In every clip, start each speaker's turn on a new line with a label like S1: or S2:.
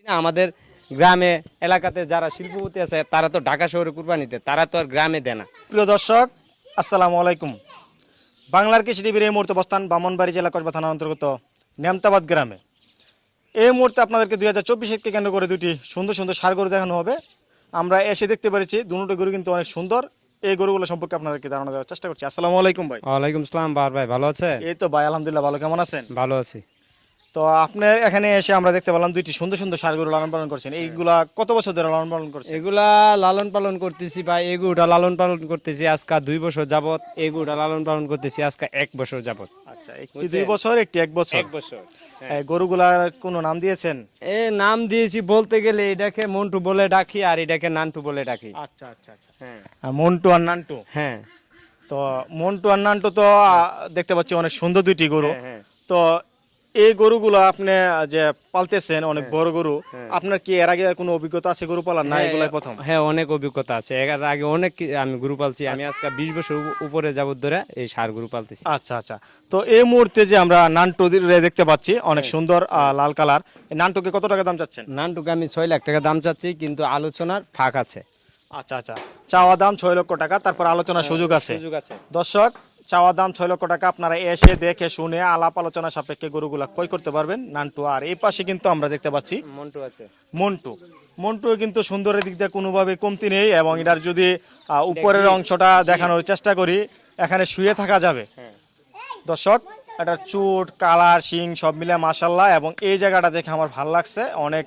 S1: আমাদের গ্রামে এলাকাতে যারা শিল্পপতি আছে তারা তো ঢাকা শহরে কুরবানিতে, তারা তো আর গ্রামে দেয় না।
S2: প্রিয় দর্শক, আসসালামু আলাইকুম। বাংলার কৃষি টিভির এই মুহূর্তে অবস্থান ব্রাহ্মণবাড়ি জেলা কসবা থানার অন্তর্গত নেমতাবাদ গ্রামে। এই মুহূর্তে আপনাদেরকে 2024-কে কেন্দ্র করে দুটি সুন্দর সুন্দর ষাঁড় গরু দেখানো হবে। আমরা এসে দেখতে পেরেছি দুটো গরু কিন্তু অনেক সুন্দর। এই গরুগুলো সম্পর্কে আপনাদেরকে ধারণা দেওয়ার চেষ্টা করছি। আসসালামু আলাইকুম ভাই।
S1: ওয়ালাইকুম আসসালাম বার ভাই, ভালো আছে?
S2: এই তো ভাই, আলহামদুলিল্লাহ ভালো। কেমন আছেন?
S1: ভালো আছি।
S2: তো আপনার এখানে এসে আমরা দেখতে পেলাম দুইটি সুন্দর সুন্দর ষাঁড় গরু লালন পালন করছেন। এইগুলা কত বছর ধরে লালন পালন করছেন?
S1: এগুলা লালন পালন করতেছি ভাই, এই গরুটা লালন পালন করতেছি আজকে 2 বছর যাবত, এই গরুটা লালন পালন করতেছি আজকে 1 বছর যাবত।
S2: আচ্ছা, একটি 2 বছর, একটি 1 বছর।
S1: 1 বছর।
S2: এই গরুগুলার কোনো নাম দিয়েছেন?
S1: নাম দিয়েছি বলতে গেলে এটাকে মন্টু বলে ডাকি আর এটাকে নান্টু বলে ডাকি।
S2: আচ্ছা আচ্ছা আচ্ছা,
S1: হ্যাঁ
S2: মন্টু আর নান্টু।
S1: হ্যাঁ
S2: তো মন্টু আর নান্টু তো দেখতে পাচ্ছি অনেক সুন্দর দুইটি গরু।
S1: হ্যাঁ।
S2: তো এই গরুগুলো আপনি যে পালতেছেন, অনেক বড় গরু, আপনার কি এর আগে কোনো অভিজ্ঞতা আছে গরু পালার, না এগুলাই প্রথম?
S1: হ্যাঁ, অনেক অভিজ্ঞতা আছে। এর আগে অনেক আমি গরু পালছি। আমি আজকে 20 বছর উপরে যাবত ধরে এই ষাঁড় গরু পালতেছি।
S2: আচ্ছা আচ্ছা। তো এই মুহূর্তে যে আমরা নান্টু দেখতে পাচ্ছি অনেক সুন্দর লাল কালার, এই নান্টুকে কত টাকা দাম চাচ্ছেন?
S1: নানটুকে আমি 6 লাখ টাকা দাম চাচ্ছি, কিন্তু আলোচনার ফাঁক আছে।
S2: আচ্ছা আচ্ছা, চাওয়া দাম 6 লক্ষ টাকা, তারপর আলোচনার সুযোগ আছে।
S1: সুযোগ আছে।
S2: দর্শক, চাওয়া দাম 6 লক্ষ টাকা। আপনারা এসে দেখে শুনে আলাপ আলোচনা সাপেক্ষে গরুগুলা ক্রয় করতে পারবেন। নান্টু আর এই পাশে কিন্তু আমরা দেখতে পাচ্ছি
S1: মন্টু আছে।
S2: মন্টু কিন্তু সুন্দরের দিক দিয়ে কোনোভাবে কমতি নেই, এবং এটার যদি উপরের অংশটা দেখানোর চেষ্টা করি, এখানে শুয়ে থাকা যাবে। দর্শক, এটার চুট, কালার, শিং সব মিলে মাশাল্লাহ, এবং এই জায়গাটা দেখে আমার ভালো লাগছে। অনেক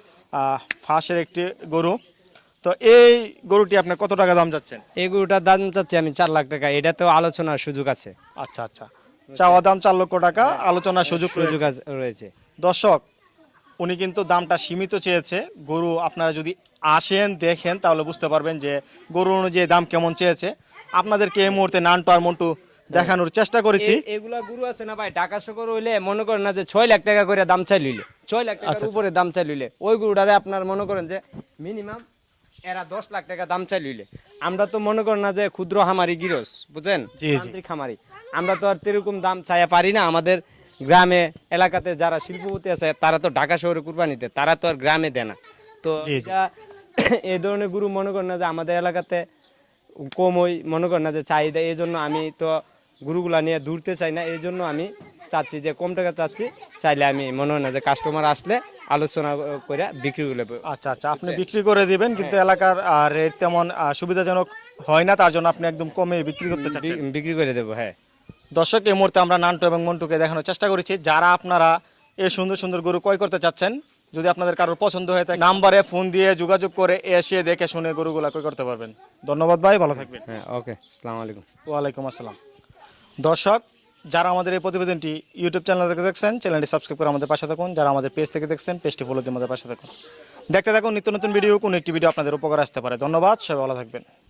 S2: ফাঁসের একটি গরু। তো এই গরুটি আপনি কত টাকা দাম যাচ্ছেন?
S1: এই গরুটার দাম চাচ্ছি আমি 4 লাখ টাকা। এটাতেও আলোচনার সুযোগ আছে।
S2: আচ্ছা আচ্ছা, চাওয়া দাম 4 লক্ষ টাকা, আলোচনার সুযোগ
S1: রয়েছে।
S2: দর্শক, উনি কিন্তু দামটা সীমিত চেয়েছে। গরু আপনারা যদি আসেন দেখেন তাহলে বুঝতে পারবেন যে গরু অনুযায়ী দাম কেমন চেয়েছে। আপনাদেরকে এই মুহূর্তে নান্টু আর মন্টু দেখানোর চেষ্টা করেছি।
S1: এগুলা গরু আছে না ভাই, ঢাকা শহর হইলে মনে করেন না যে 6 লাখ টাকা করে দাম চাই লইলে, 6 লাখ টাকার উপরে দাম চাই লইলে, ওই গরুটারে আপনার মনে করেন যে মিনিমাম এরা 10 লাখ টাকা দাম চাই লইলে। আমরা তো মনে করেন না যে ক্ষুদ্র খামারি গিরস, বুঝেন, যান্ত্রিক খামারি, আমরা তো আর এরকম দাম চাইয়া পারি না। আমাদের গ্রামে এলাকাতে যারা শিল্পপতি আছে তারা তো ঢাকা শহরে কুরবানিতে, তারা তো আর গ্রামে দেয় না। তো এই ধরনের গরু মনে করেন না যে আমাদের এলাকাতে কম, ওই মনে করেন না যে চাহিদা। এই জন্য আমি তো গরুগুলা নিয়ে দূরতে চাই না। এই জন্য আমি চাচ্ছি যে কম টাকা চাচ্ছি, চাইলে আমি মনে হয় না যে কাস্টমার আসলে আলোচনা করে বিক্রি করলে।
S2: আচ্ছা আচ্ছা, আপনি বিক্রি করে দিবেন, কিন্তু এলাকার রেট তেমন সুবিধাজনক হয় না, তার জন্য আপনি একদম কমে বিক্রি করতে চাচ্ছেন?
S1: বিক্রি করে দেবো, হ্যাঁ।
S2: দর্শক, এই মুহূর্তে আমরা নান্টু এবং মন্টুকে দেখানোর চেষ্টা করেছি। যারা আপনারা এই সুন্দর সুন্দর গরু ক্রয় করতে চাচ্ছেন, যদি আপনাদের কারোর পছন্দ হয়ে থাকে, নাম্বারে ফোন দিয়ে যোগাযোগ করে এসে দেখে শুনে গরুগুলা ক্রয় করতে পারবেন। ধন্যবাদ ভাই, ভালো থাকবেন।
S1: হ্যাঁ, ওকে, আসসালামু আলাইকুম।
S2: ওয়ালাইকুম আসসালাম। দর্শক, যারা আমাদের এই প্রতিবেদনটি ইউটিউব চ্যানেল থেকে দেখছেন, চ্যানেলটি সাবস্ক্রাইব করে আমাদের পাশে থাকুন। যারা আমাদের পেজ থেকে দেখছেন, পেজটি ফলো দিয়ে আমাদের পাশে থাকুন। দেখতে থাকুন নিত্য নতুন ভিডিও, কোনো একটি ভিডিও আপনাদের উপকার আসতে পারে। ধন্যবাদ, সবাই ভালো থাকবেন।